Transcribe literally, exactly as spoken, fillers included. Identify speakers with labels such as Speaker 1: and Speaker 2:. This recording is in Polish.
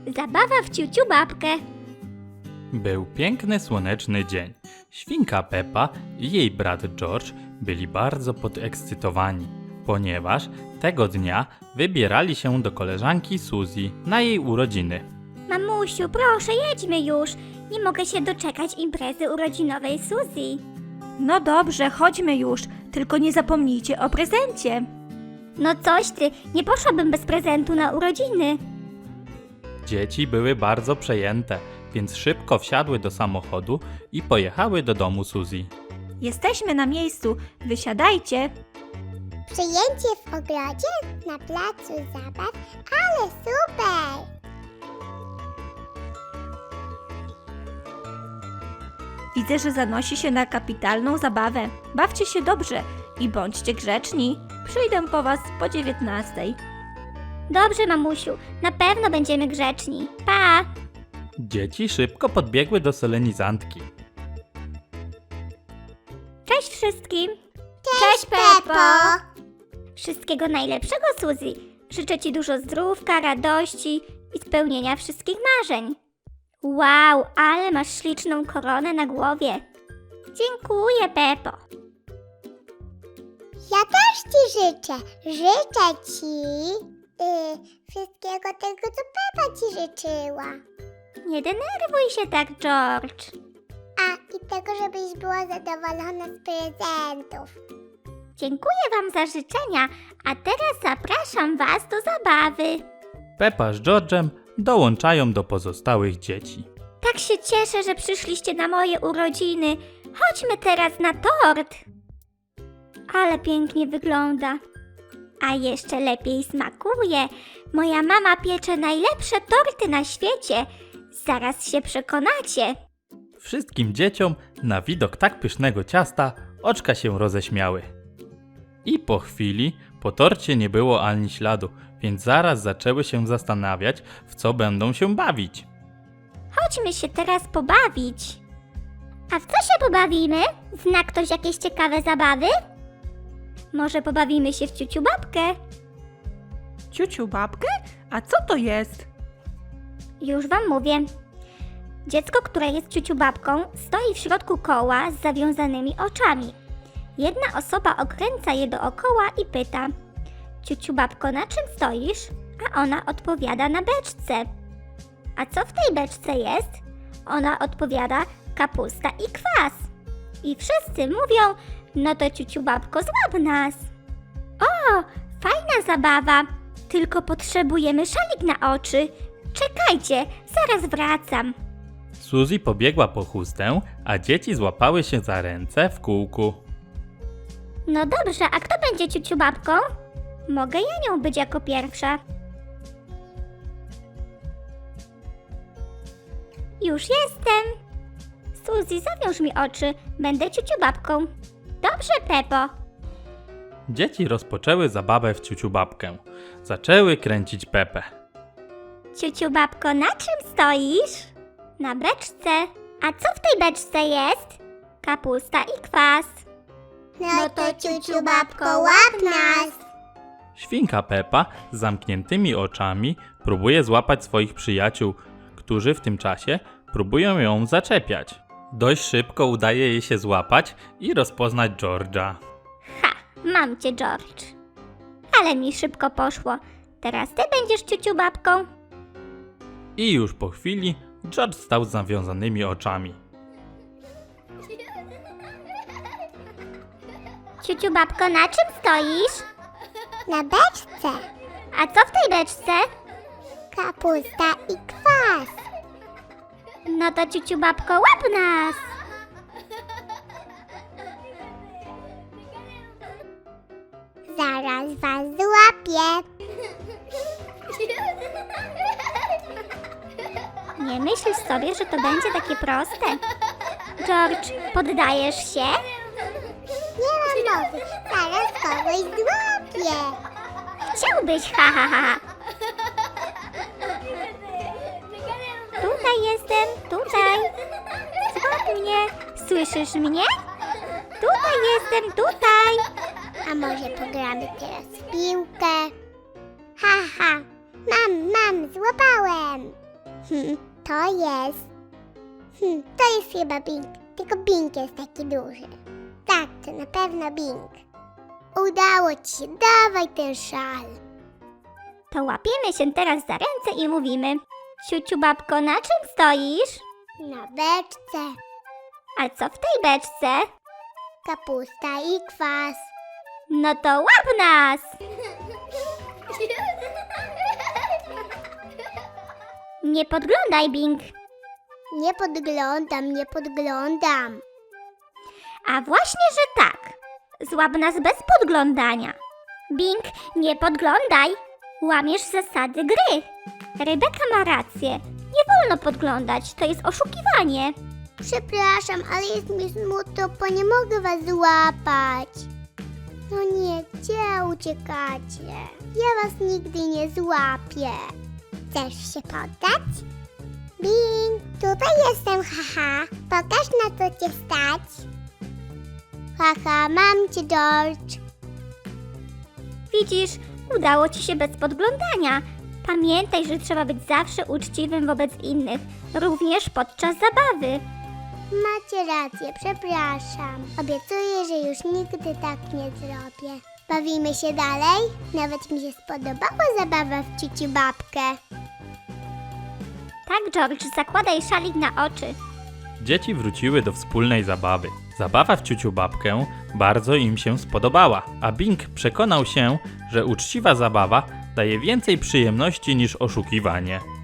Speaker 1: Zabawa w ciuciu babkę.
Speaker 2: Był piękny, słoneczny dzień. Świnka Peppa i jej brat George byli bardzo podekscytowani, ponieważ tego dnia wybierali się do koleżanki Suzy na jej urodziny.
Speaker 1: Mamusiu, proszę, jedźmy już. Nie mogę się doczekać imprezy urodzinowej Suzy.
Speaker 3: No dobrze, chodźmy już, tylko nie zapomnijcie o prezencie.
Speaker 1: No coś ty, nie poszłabym bez prezentu na urodziny.
Speaker 2: Dzieci były bardzo przejęte, więc szybko wsiadły do samochodu i pojechały do domu Suzy.
Speaker 3: Jesteśmy na miejscu, wysiadajcie.
Speaker 4: Przyjęcie w ogrodzie na placu zabaw, ale super!
Speaker 3: Widzę, że zanosi się na kapitalną zabawę. Bawcie się dobrze i bądźcie grzeczni. Przyjdę po was po dziewiętnastej.
Speaker 1: Dobrze, mamusiu, na pewno będziemy grzeczni. Pa!
Speaker 2: Dzieci szybko podbiegły do solenizantki.
Speaker 1: Cześć wszystkim!
Speaker 4: Cześć, Peppo!
Speaker 1: Wszystkiego najlepszego, Suzy. Życzę ci dużo zdrówka, radości i spełnienia wszystkich marzeń. Wow, ale masz śliczną koronę na głowie. Dziękuję, Peppo.
Speaker 4: Ja też ci życzę. Życzę ci y, wszystkiego tego, co Peppa ci życzyła.
Speaker 1: Nie denerwuj się tak, George.
Speaker 4: A i tego, żebyś była zadowolona z prezentów.
Speaker 1: Dziękuję wam za życzenia, a teraz zapraszam was do zabawy.
Speaker 2: Peppa z George'em dołączają do pozostałych dzieci.
Speaker 1: Tak się cieszę, że przyszliście na moje urodziny. Chodźmy teraz na tort. Ale pięknie wygląda. A jeszcze lepiej smakuje. Moja mama piecze najlepsze torty na świecie. Zaraz się przekonacie.
Speaker 2: Wszystkim dzieciom na widok tak pysznego ciasta oczka się roześmiały. I po chwili po torcie nie było ani śladu, więc zaraz zaczęły się zastanawiać, w co będą się bawić.
Speaker 1: Chodźmy się teraz pobawić. A w co się pobawimy? Zna ktoś jakieś ciekawe zabawy? Może pobawimy się w ciuciu babkę?
Speaker 3: Ciuciu babkę? A co to jest?
Speaker 1: Już wam mówię. Dziecko, które jest ciuciu babką, stoi w środku koła z zawiązanymi oczami. Jedna osoba okręca je dookoła i pyta: ciuciu babko, na czym stoisz? A ona odpowiada: na beczce. A co w tej beczce jest? Ona odpowiada: kapusta i kwas. I wszyscy mówią: no to ciuciu babko, złap nas. O, fajna zabawa, tylko potrzebujemy szalik na oczy. Czekajcie, zaraz wracam.
Speaker 2: Suzy pobiegła po chustę, a dzieci złapały się za ręce w kółku.
Speaker 1: No dobrze, a kto będzie ciuciu babką? Mogę ja nią być jako pierwsza. Już jestem. Suzy, zawiąż mi oczy, będę ciuciu babką. Dobrze, Peppo.
Speaker 2: Dzieci rozpoczęły zabawę w ciuciu babkę. Zaczęły kręcić Pepę.
Speaker 1: Ciuciu babko, na czym stoisz? Na beczce. A co w tej beczce jest? Kapusta i kwas.
Speaker 4: No to ciuciu babko, łap nas!
Speaker 2: Świnka Peppa z zamkniętymi oczami próbuje złapać swoich przyjaciół, którzy w tym czasie próbują ją zaczepiać. Dość szybko udaje jej się złapać i rozpoznać George'a.
Speaker 1: Ha, mam cię, George. Ale mi szybko poszło. Teraz ty będziesz ciuciu babką.
Speaker 2: I już po chwili George stał z zawiązanymi oczami.
Speaker 1: Ciuciu babko, na czym stoisz?
Speaker 4: Na beczce
Speaker 1: A co w tej beczce?
Speaker 4: kapusta i kwas.
Speaker 1: No to ciuciu babko, łap nas.
Speaker 4: Zaraz was złapię.
Speaker 1: Nie myślisz sobie, że to będzie takie proste? George, poddajesz się?
Speaker 4: Nie mam mowy, zaraz kogoś złapię.
Speaker 1: Chciałbyś, ha, ha, ha. Tutaj jestem, tutaj. Złap mnie. Słyszysz mnie? Tutaj jestem, tutaj.
Speaker 4: A może pogramy teraz w piłkę? Ha, ha, mam, mam, złapałem. Hmm, to jest... Hmm, to jest chyba Bing. Tylko Bing jest taki duży. Tak, to na pewno Bing. Udało ci się, dawaj ten szal.
Speaker 1: To łapiemy się teraz za ręce i mówimy: Ciuciu babko, na czym stoisz?
Speaker 4: Na beczce.
Speaker 1: A co w tej beczce?
Speaker 4: Kapusta i kwas.
Speaker 1: No to łap nas! Nie podglądaj, Bing.
Speaker 4: Nie podglądam, nie podglądam.
Speaker 1: A właśnie, że tak. Złap nas bez podglądania. Bing, nie podglądaj. Łamiesz zasady gry. Rebeka ma rację. Nie wolno podglądać, to jest oszukiwanie.
Speaker 4: Przepraszam, ale jest mi smutno, bo nie mogę was złapać. No nie, gdzie uciekacie? Ja was nigdy nie złapię. Chcesz się poddać? Bing, tutaj jestem, haha. Pokaż, na co cię stać. Haha, mam cię, George.
Speaker 1: Widzisz, udało ci się bez podglądania. Pamiętaj, że trzeba być zawsze uczciwym wobec innych, również podczas zabawy.
Speaker 4: Macie rację, przepraszam. Obiecuję, że już nigdy tak nie zrobię. Bawimy się dalej? Nawet mi się spodobała zabawa w ciuciu babkę.
Speaker 1: Tak, George, zakładaj szalik na oczy.
Speaker 2: Dzieci wróciły do wspólnej zabawy. Zabawa w ciuciu babkę bardzo im się spodobała, a Bing przekonał się, że uczciwa zabawa daje więcej przyjemności niż oszukiwanie.